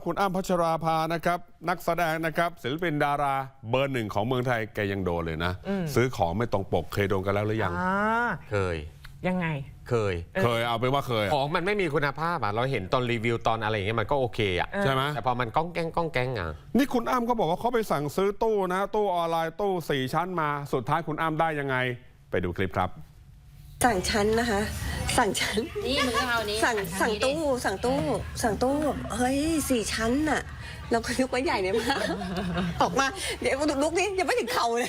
คุณอ้ำพัชราภานะครับนักแสดงนะครับศิลปินดาราเบอร์หนึ่งของเมืองไทยแกยังโดนเลยนะซื้อของไม่ตรงปกเคยโดนกันแล้วหรือยังเคยยังไงเคยเอาไปว่าเคยของมันไม่มีคุณภาพอ่ะเราเห็นตอนรีวิวตอนอะไรอย่างเงี้ยมันก็โอเคอ่ะใช่ไหมแต่พอมันก้องแก๊งอ่ะนี่คุณอ้ำเขาบอกว่าเขาไปสั่งซื้อตู้นะตู้ออนไลน์ตู้4 ชั้นมาสุดท้ายคุณอ้ำได้ยังไงไปดูคลิปครับสั่งชั้นนะคะสั่งชั้นนี่มือเอานี้สั่งตู้เฮ้ย4 ชั้นน่ะเราก็นึกว่าใหญ่เนี่ยมากออกมาเดี๋ยวลุกนี่ยังไม่ถึงเข่าเลย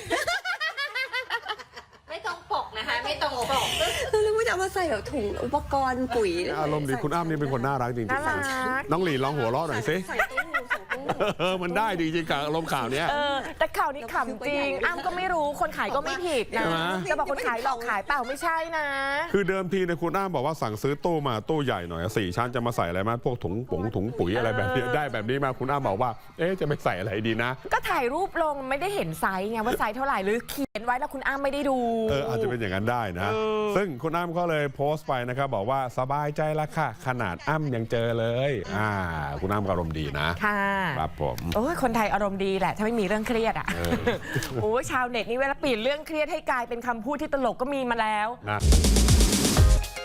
ไม่ต้องปกนะคะไม่ต้องปกเราเลยว่าจะมาใส่แบบถุงอุปกรณ์ปุ๋ยอารมณ์ดีคุณอ้ำนี่เป็นคนน่ารักจริงๆน้องหลีลองหัวเราะหน่อยสิมันได้จริงๆกับอารมณ์ข่าวเนี้ยแต่ข่าวนี้ขำจริงอ้ำก็ไม่รู้คนขายก็ไม่ผิดนะจะบอกคนขายหลอกขายเปล่าไม่ใช่นะคือเดิมทีเนี่ยคุณอ้ำบอกว่าสั่งซื้อตู้มาตู้ใหญ่หน่อย4 ชั้นจะมาใส่อะไรมาพวกถุงปุ๋ยอะไรแบบนี้ได้แบบนี้มาคุณอ้ำบอกว่าจะไปใส่อะไรดีนะก็ถ่ายรูปลงไม่ได้เห็นไซส์ไงว่าไซส์เท่าไหร่หรือเขียนไว้แล้วคุณอ้ำไม่ได้ดูอาจจะเป็นอย่างนั้นได้นะซึ่งคุณอ้ำก็เลยโพสต์ไปนะครับบอกว่าสบายใจแล้วค่ะขนาดอ้ำยังเจอเลยคุณอ้ำอารมณ์ดีนะค่ะครับผมโอ้ยคนไทยอารมณ์ดีแหละถ้าไม่มีเรื่องเครียดโอ้ยชาวเน็ตนี่เวลาเปลี่ยนเรื่องเครียดให้กลายเป็นคำพูดที่ตลกก็มีมาแล้วนะ